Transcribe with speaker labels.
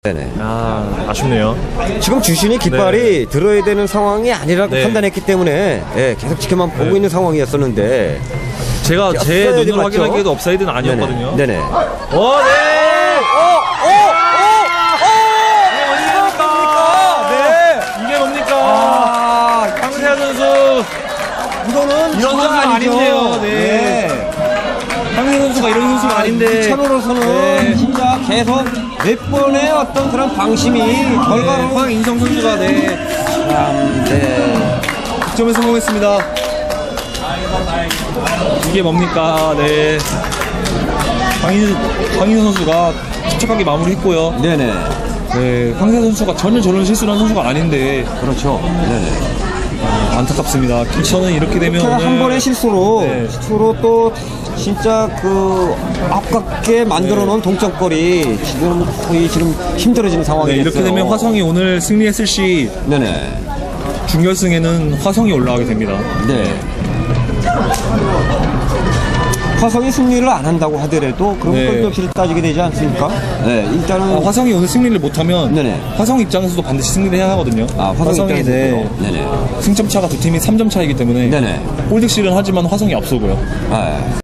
Speaker 1: 네네.
Speaker 2: 아, 아쉽네요.
Speaker 1: 지금 주신이 깃발이 들어야 되는 상황이 아니라고
Speaker 2: 네.
Speaker 1: 판단했기 때문에 예, 계속 지켜만 보고 있는 상황이었었는데
Speaker 2: 제가 제
Speaker 1: 옵사이드
Speaker 2: 눈으로
Speaker 1: 맞죠?
Speaker 2: 확인하기에도 업사이드는 아니었거든요.
Speaker 1: 네네. 네네.
Speaker 2: 네! 이게 뭡니까? 황세아 선수
Speaker 1: 이거는
Speaker 2: 이런 선수가 아닌데요. 네. 황세아 선수가 이런 선수가 아닌데.
Speaker 1: 이찬호로서는
Speaker 2: 네.
Speaker 1: 진짜 계속 몇 번의 어떤 그런 방심이 결과로
Speaker 2: 황인성 선수가
Speaker 1: 네.
Speaker 2: 득점에 성공했습니다. 이게 뭡니까? 네. 황인성 선수가 침착하게 마무리했고요.
Speaker 1: 네네.
Speaker 2: 네, 황세아 선수가 전혀 저런 실수를 한 선수가 아닌데
Speaker 1: 그렇죠. 네네.
Speaker 2: 안타깝습니다. 저는 이렇게 되면
Speaker 1: 제가 한 번의 실수로
Speaker 2: 네.
Speaker 1: 또 진짜 그 아깝게 만들어 놓은 동점골이 지금 거의 지금 힘들어지는 상황이
Speaker 2: 네,
Speaker 1: 됐어요.
Speaker 2: 이렇게 되면 화성이 오늘 승리했을 시
Speaker 1: 네네.
Speaker 2: 준결승에는 화성이 올라가게 됩니다.
Speaker 1: 네. 화성이 승리를 안 한다고 하더라도 그런
Speaker 2: 네.
Speaker 1: 골격실을 따지게 되지 않습니까? 네, 일단은
Speaker 2: 화성이 오늘 승리를 못하면
Speaker 1: 네네.
Speaker 2: 화성 입장에서도 반드시 승리를 해야 하거든요.
Speaker 1: 화성이
Speaker 2: 네,
Speaker 1: 네네.
Speaker 2: 승점 차가 두 팀이 3점 차이기 때문에
Speaker 1: 네네.
Speaker 2: 골득실은 하지만 화성이 앞서고요.
Speaker 1: 네.